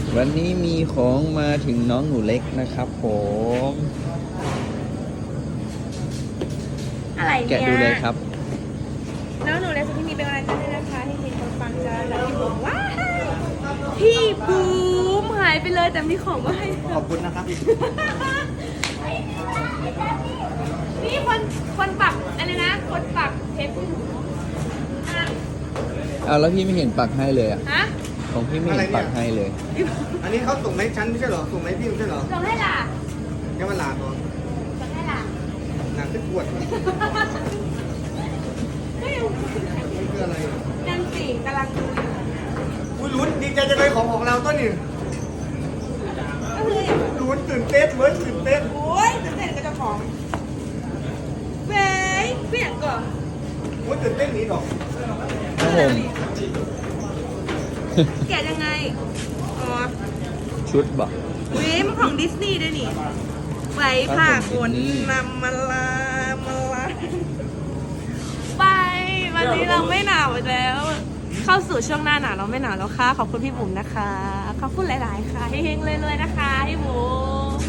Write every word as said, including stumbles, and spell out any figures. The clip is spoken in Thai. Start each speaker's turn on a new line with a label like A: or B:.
A: วันนี้มีของมาถึงน้องหนูเล็กนะครับผม
B: อะไรเนี่ย
A: แกะดูเลยครับ
B: น้องหนูเล็กสุดที่มีเป็นกำลังใจให้นะคะที่เห็นคนฟังจะแล้วพี่บุ๋มว้ายพี่บุ๋มหายไปเลยแต่มีของมาให้
C: ขอบคุณนะครับ
B: นี่คนคนปักอะไรนะ คนปักเทปอ่ะ
A: เอาแล้วพี่ไม่เห็นปักให้เลยอ่ะ
B: ฮะ
A: ของพี่ไม่เห็นปักให้เลย
C: อันนี้เขาส่งให้ฉันไม่ใช่เหรอ ส่งให้พี่ไม่ใช่เหรอ
B: ส่งให้ล่ะ
C: แค่มันลาตัว
B: ส่งให้ล่ะ
C: หนังที่ปวดมัน
B: เฮ้ย
C: คืออะไร
B: นั่นสิกำลังดูอยู่
C: อุ้ยลุ้นดีใจจังเลยของของเราต้นนี่
B: ก็คืออย่าง
C: ลุ้นตื่นเต้นเหมือนตื่นเต้น
B: โอ้ยตื่นเต้นกับเจ้าของเว้ยเปลี่ยนก่อน
C: โอ้ยตื่นเต้นหนี้ดอก
A: ครับผม
B: แกะยังไง อ๋อ
A: ชุดบอก
B: เว้ยมันของดิสนีย์ด้วยนี่ไว้ผ่าขนนำมาลามาลาไป วันนี้เราไม่หนาวอีกแล้ว เข้าสู่ช่วงหน้าหนาวเราไม่หนาวแล้วค่ะ ขอบคุณพี่บุ๋มนะคะ ขอบคุณหลาย ๆ ค่ะเฮงๆเลยๆนะคะพี่บุ๋ม